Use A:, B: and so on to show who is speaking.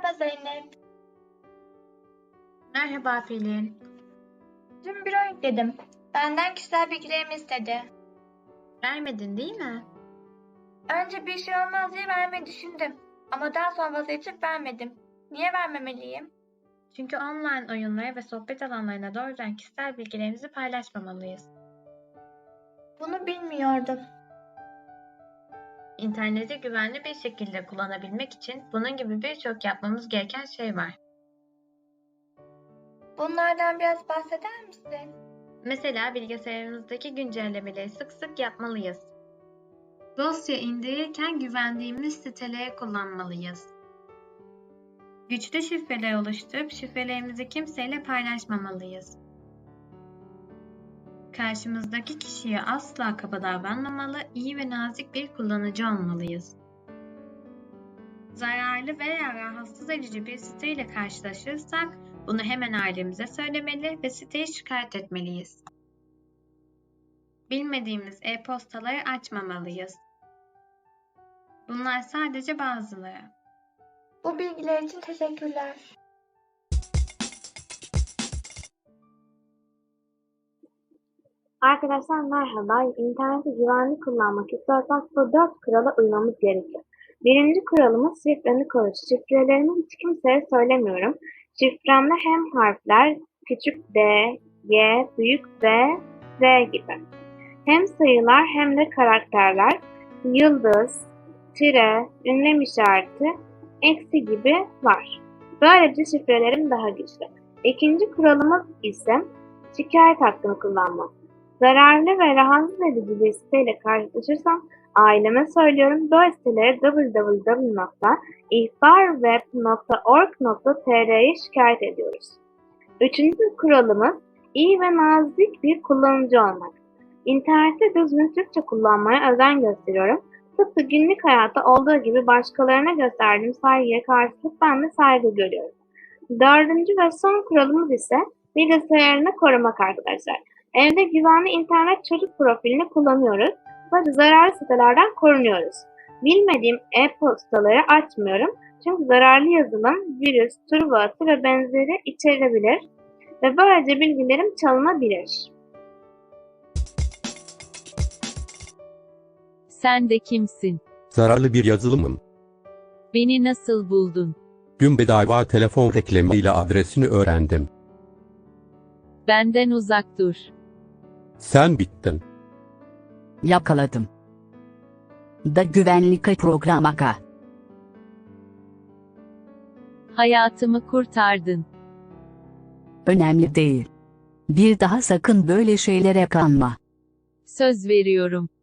A: Merhaba Zeynep.
B: Merhaba Pelin.
A: Dün büro yükledim. Benden kişisel bilgilerimi istedi.
B: Vermedin değil mi?
A: Önce bir şey olmaz diye vermeyi düşündüm. Ama daha sonra vazgeçip vermedim. Niye vermemeliyim?
B: Çünkü online oyunlara ve sohbet alanlarına doğrudan kişisel bilgilerimizi paylaşmamalıyız.
A: Bunu bilmiyordum.
B: İnterneti güvenli bir şekilde kullanabilmek için bunun gibi birçok yapmamız gereken şey var.
A: Bunlardan biraz bahseder misin?
B: Mesela bilgisayarımızdaki güncellemeleri sık sık yapmalıyız. Dosya indirirken güvendiğimiz siteleri kullanmalıyız. Güçlü şifreler oluşturup şifrelerimizi kimseyle paylaşmamalıyız. Karşımızdaki kişiye asla kaba davranmamalı, iyi ve nazik bir kullanıcı olmalıyız. Zararlı veya rahatsız edici bir siteyle karşılaşırsak bunu hemen ailemize söylemeli ve siteyi şikayet etmeliyiz. Bilmediğimiz e-postaları açmamalıyız. Bunlar sadece bazıları.
A: Bu bilgiler için teşekkürler.
C: Arkadaşlar merhaba. İnterneti güvenli kullanmak istiyorsak bu 4 kurala uymamız gerekiyor. Birinci kuralımız şifreni koru. Şifrelerimi hiç kimseye söylemiyorum. Şifremde hem harfler küçük d, y, büyük b, z gibi. Hem sayılar hem de karakterler, yıldız, tire, ünlem işareti, eksi gibi var. Böylece şifrelerim daha güçlü. İkinci kuralımız ise şikayet hakkını kullanmak. Zararlı ve rahatsız edici bir siteyle karşılaşırsam aileme söylüyorum. Böyle sitelere www.ihbarweb.org.tr'ye şikayet ediyoruz. Üçüncü kuralımız iyi ve nazik bir kullanıcı olmak. İnternette düzgün Türkçe kullanmaya özen gösteriyorum. Tıpkı günlük hayatta olduğu gibi başkalarına gösterdiğim saygıya karşılık ben de saygı görüyorum. Dördüncü ve son kuralımız ise bilgisayarını korumak arkadaşlar. Evde güvenli internet çocuk profilini kullanıyoruz ve zararlı sitelerden korunuyoruz. Bilmediğim e-postaları açmıyorum çünkü zararlı yazılım, virüs, turbo atı ve benzeri içerebilir ve böylece bilgilerim çalınabilir.
D: Sen de kimsin?
E: Zararlı bir yazılımım.
D: Beni nasıl buldun?
E: Gün bedava telefon reklamıyla adresini öğrendim.
D: Benden uzak dur.
E: Sen bittin.
F: Yakaladım. Da güvenlik programaka.
D: Hayatımı kurtardın.
F: Önemli değil. Bir daha sakın böyle şeylere kanma.
D: Söz veriyorum.